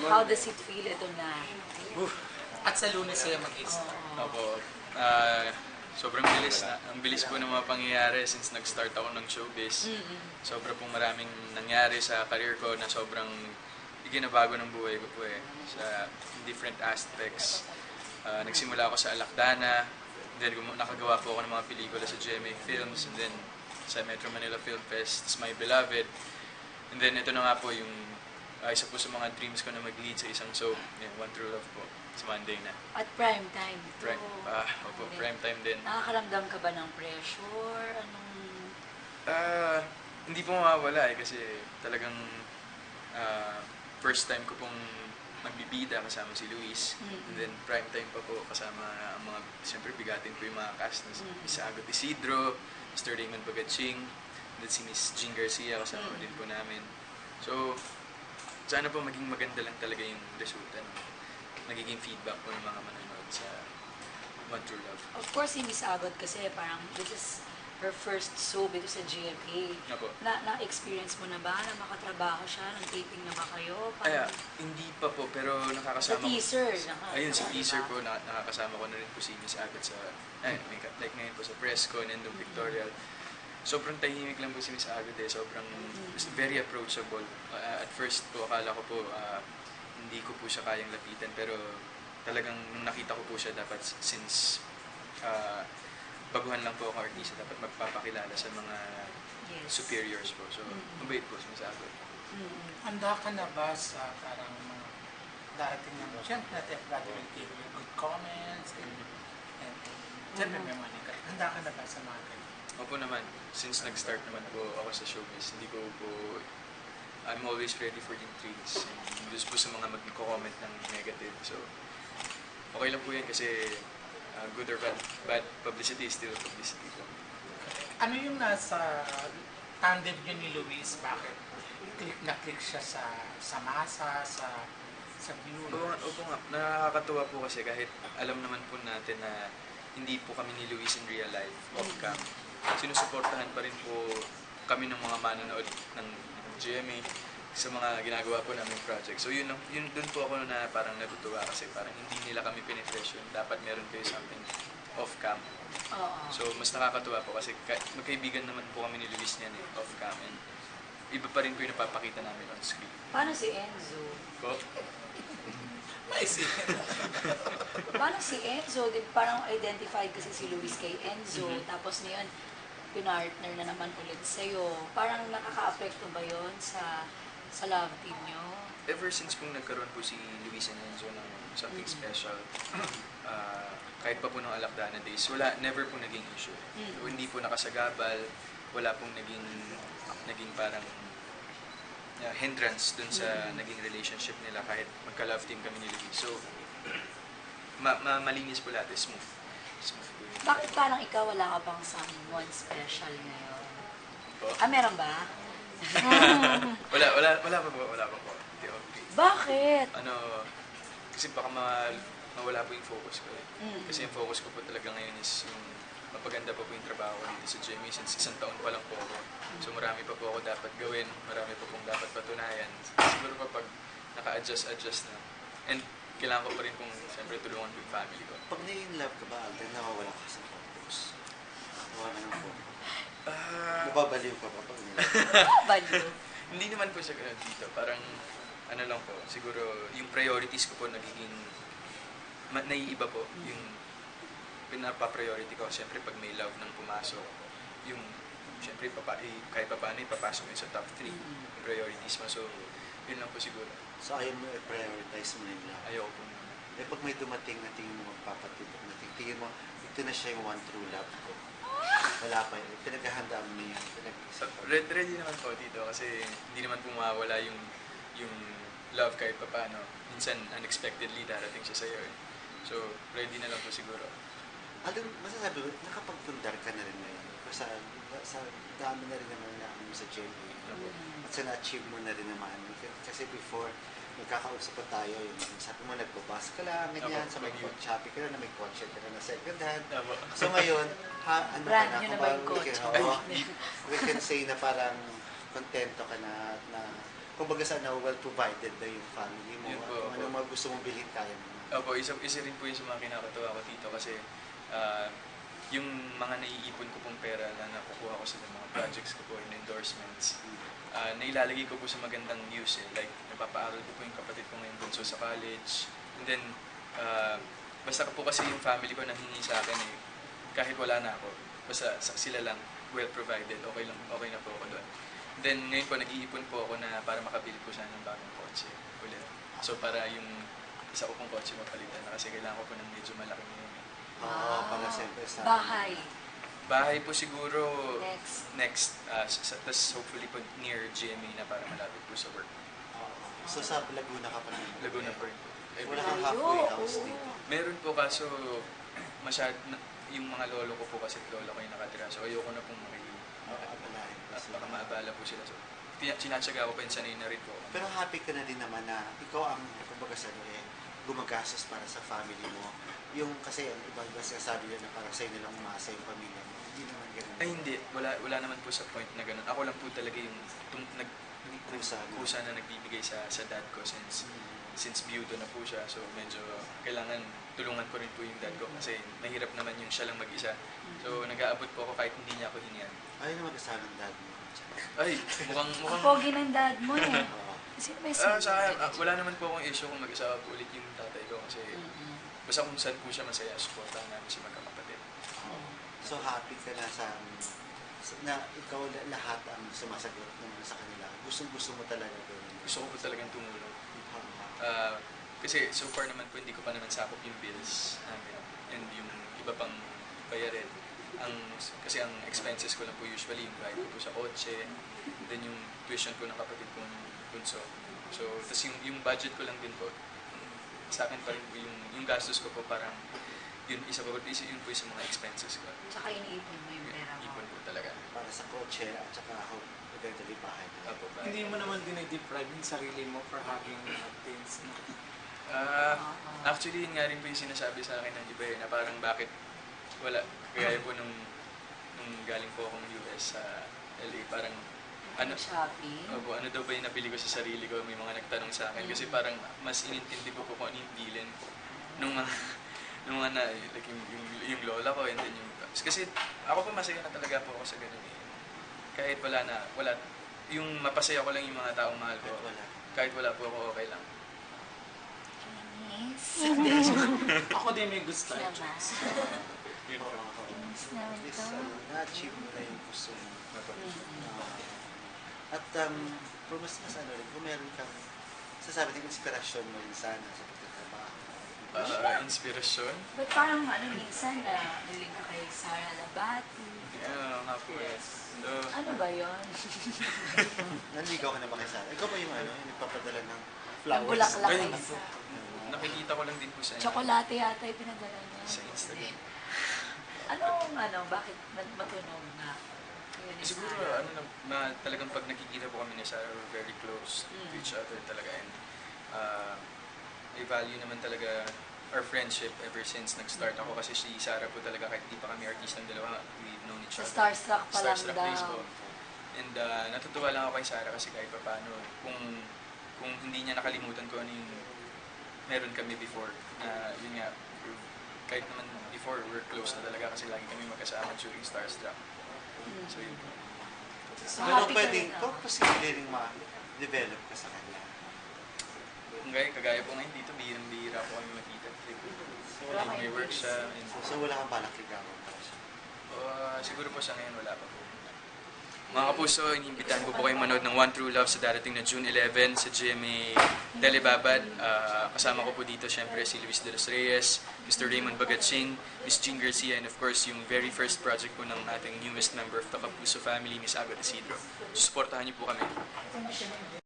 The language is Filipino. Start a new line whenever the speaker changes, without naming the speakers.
How does it feel ito na?
At sa Lunes sila mag-start.
Opo. Sobrang bilis na. Ang bilis po ng mga pangyayari since nag-start ako ng showbiz. Sobra pong maraming nangyari sa career ko na sobrang iginabago ng buhay ko po sa different aspects. Nagsimula ako sa Alakdana, then nakagawa po ako ng mga pelikula sa GMA Films, and then sa Metro Manila Film Fest, My Beloved. And then ito na nga po yung isa po sa mga dreams ko na mag-lead sa isang soap, One True Love po. Sa Monday na.
At prime time.
Opo, prime time din.
Nakakaramdam ka ba ng pressure?
Hindi po mawawala kasi talagang first time ko pong magbibida kasama si Luis. And then prime time pa po kasama ang mga, siyempre bigatin po yung mga cast na Miss Agot Isidro, Mr. Raymond Bagatsing, then si Miss Jean Garcia kasama din po namin. So, sana po maging maganda lang talaga yung resulta nagiging feedback po ng mga manonood sa One True Love.
Of course, si Miss Agot kasi parang this is her first soap ito sa GMA. Na-experience mo na ba na makatrabaho siya? Nag-taping na ba kayo?
Hindi pa po, pero nakakasama
ko. Sa teaser?
Ayun, sa teaser po, nakakasama ko na rin po si Miss Agot sa, like ngayon po sa press ko, Nendong Pictorial. Sobrang tahimik lang po si Miss Agot sobrang very approachable. At first po, akala ko po, hindi ko po siya kayang lapitan, pero talagang nung nakita ko po siya dapat since baguhan lang po ako artista, dapat magpapakilala sa mga superiors po. So, mabait po sumasagot.
Handa ka na ba sa parang mga darating na siyempre natin will give you good comments and siyempre may mga negative. Handa ka na ba sa mga ganyan?
Opo naman. Since nag-start naman po ako sa showbiz, hindi ko po I'm always ready for intrigues. Just po sa mga mag-comment ng negative. So, okay lang po yan kasi good or bad publicity is still publicity po.
Ano yung nasa tandem nyo ni Luis? Bakit na-click siya sa masa, sa viewers?
Opo nga. Nakakatuwa po kasi kahit alam naman po natin na hindi po kami ni Luis in real life, off-cam. Sinusuportahan pa rin po kami ng mga manonood ng GMA sa mga ginagawa po namin project. So yun dun po ako na parang natutuwa kasi parang hindi nila kami pinipressure. Dapat meron kayo something off-cam. So mas nakakatuwa po kasi magkaibigan naman po kami ni Luis niyan off-cam. And iba pa rin po yung napapakita namin on screen.
Paano si Enzo?
Po?
Paano si Enzo? Parang identified kasi si Luis kay Enzo. Tapos ngayon, pinartner na naman ulit sa'yo. Parang nakaka-apekto ba yun sa love team nyo?
Ever since kung nagkaroon po si Luis and Enzo ng something special, kahit pa po ng Alakdana days, never po naging issue. Hindi po nakasagabal, wala pong naging parang hindrance dun sa naging relationship nila kahit magka-love team kami ni Luis. So, malinis po lahat, smooth po yun.
Bakit parang ikaw wala ka bang someone special ngayon?
Po?
Meron ba?
Wala pa po. Hindi, okay.
Bakit?
Kasi baka mawala po yung focus ko Kasi yung focus ko po talaga ngayon is yung mapaganda pa po yung trabaho ko dito sa GMA since 1 taon pa lang po ako. So marami pa po ako dapat gawin, marami pa pong dapat patunayan. Siguro pa pag naka-adjust na. And kailangan ko pa rin pong siyempre tulungan ko yung family ko.
Pag na-in-love ka ba, Alden, nawawala ka sa focus? Nawawala ng focus? Nababaliw ka ba pag
nilove? Baliw?
Hindi naman po sa ganun dito. Parang lang po, siguro yung priorities ko po nagiging naiiba po. Yung pinapa-priority ko, siyempre pag may love nang pumasok, yung siyempre kahit pa paano ipapasok yun sa top 3 priorities mo. So, yun lang po siguro.
So, ayaw mo i-prioritize mo yung love?
Ayaw po.
Pag may dumating na tingin mo magpapatibok na tingin mo, ito na siya yung one true love ko. Wala pa yun. Pinaghahandaan mo yan.
Ready naman po dito kasi hindi naman po mawawala yung love kahit pa paano. Minsan, unexpectedly darating siya sa'yo So, ready na lang po siguro.
Alden, masasabi mo, nakapagpundar ka na rin ngayon. Sa dami na rin naman na sa GMA. At sa na-achieve mo na rin naman. Kasi before, nagkakausap pa tayo, sabi mo, nagbabas ka lang, ganyan, sa may Shopee ka na, may kotse ka na second hand. So ngayon,
brand nyo na ba yung kotse?
We can say na parang kontento ka na kumbaga sana well provided na yung family mo.
Yun
At
po,
kung
opo.
anong mga gusto mong bilhin, kaya mo.
Opo, isa rin po yung sa mga kinakatawa ko dito kasi yung mga naiipon ko pong pera na nakukuha ko sa mga projects ko po and endorsements, nailalagay ko po sa magandang use eh. Like, napapaaral ko po yung kapatid ko ngayon bunso sa college. And then, basta po kasi yung family ko nanghingi sa akin eh, kahit wala na ako, basta sila lang well provided, okay na po ako doon. Then ngayon po nag-iipon po ako na para makabili po sana ng bagong kotse ulit. So para yung isa ko pong kotse mapalitan na kasi kailangan ko po ng medyo malaki ngayon.
Oo, para siyempre sa...
Bahay.
Bahay po siguro
Next.
tapos hopefully po near GMA na para malapit po sa work.
Oo. So sa Laguna ka pa rin?
Laguna po rin po.
Wala kang
Layo,
halfway house
oo.
dito.
Meron po kaso yung mga lolo ko po kasi lola ko yung nakatira. So ayoko na pong
Abalahin kasi.
baka maabala po sila. So sinatsaga ko pa yung sanay na rin po.
Pero happy ka na din naman na ikaw ang, kumbaga sa gumagastos para sa family mo. Yung kasi ang ibang sabi nila na parang sa'yo nilang umasa yung pamilya mo. Hindi naman ganun.
Ay hindi, wala naman po sa point na ganun. Ako lang po talaga yung kusa na nagbibigay sa dad ko since biyudo na po siya. So medyo kailangan tulungan ko rin po yung dad ko kasi mahirap naman yung siya lang mag-isa. So nag-aabot po ako kahit hindi niya ako hiniyan.
Ayaw na mag-asawa ng dad mo.
Ay,
Ang
mukhang...
pogi ng dad mo eh.
Oo.
Sino may
Sa akin, wala naman po akong issue kung mag-asawa po ulit yung tatay ko kasi basta kung saan po siya masaya, supportahan namin si magkakapatid.
So happy ka na na ikaw lahat ang sumasagot naman sa kanila. Gustong-gusto mo talaga doon.
Gusto ko po talagang tumulong.
Oo.
Kasi so far naman po hindi ko pa naman sakop yung bills namin and yung iba pang bayarin. Kasi ang expenses ko lang po usually yung bayad ko po sa kotse, then yung tuition ko ng kapatid kong bunso. So, tas yung budget ko lang din po, sa akin pa rin po yung gastos ko po parang yun po yung po sa mga expenses ko.
Tsaka iniipon mo yung pera mo.
Ipon po talaga.
Para sa kotse at saka ako eventually bahay.
Apo, ba?
Hindi mo naman dinideprive yung sarili mo for having things na
Actually, yun nga rin po yung sinasabi sa akin ng iba na parang bakit wala. Kaya po nung galing po akong US sa LA, parang
Shopping.
opo, ano daw ba yung nabili ko sa sarili ko? May mga nagtanong sa akin kasi parang mas inintindi ko po kung ano yung bilin nung mga like yung lola ko and then yung kasi ako po masaya na talaga po ako sa ganun eh. Kahit wala yung mapasaya ko lang yung mga taong mahal ko. Kahit wala po ako, okay lang.
Kinis.
ako din may gusto.
Naman.
Yun po.
Kinis naman
At least,
to.
na-achieve mo na yung gusto mo. At mas rin, kung meron kang sasabi ng inspirasyon mo rin sana sa pagtatrabaho.
Inspirasyon?
But parang minsan na naling ka kay Sara Labati.
Yeah, nga po eh. So,
Ano ba yun?
Nanligaw ka na ba kay Sarah? Ikaw ba yung yung nagpapadala ng
Ang
flowers?
bulaklak
Ay,
kay
hindi po.
Sara.
Nakikita ko lang din po sa
Tsokolate yata yung pinadala niya.
Sa Instagram.
Bakit matunog na? Yun ni
Siguro,
Sarah.
talagang pag nakikita po kami ni Sarah, we're very close to each other talaga. And I value naman talaga our friendship ever since nag-start ako kasi si Sarah po talaga kahit di pa kami artistang dalawa, we've known each
Sa
other.
Starstruck pa lang
Starstruck
daw.
days po. And natutuwa lang ako kay Sarah kasi kahit pa paano, kung hindi niya nakalimutan ko ano yung meron kami before, na yun nga, kahit naman before, we're close na talaga kasi lagi kami magkasama during Starstruck. So yun po.
So,
Pero
happy ka
pwedeng,
rin,
kung posible rin ma-develop ka sa kanya.
Kagaya po ngayon dito, bihirang-bihira po kami makita. May work siya. And,
So wala kang balak ligawan pa siya.
siguro po sa ngayon wala pa po. Mga kapuso, iniimbitahan ko po kayong manood ng One True Love sa darating na June 11 sa GMA Telebabad. Kasama ko po dito syempre si Luis de los Reyes, Mr. Raymond Bagatsing, Miss Jean Garcia, and of course yung very first project po ng ating newest member of the Kapuso family, Miss Agot Isidro. Susuportahan niyo po kami.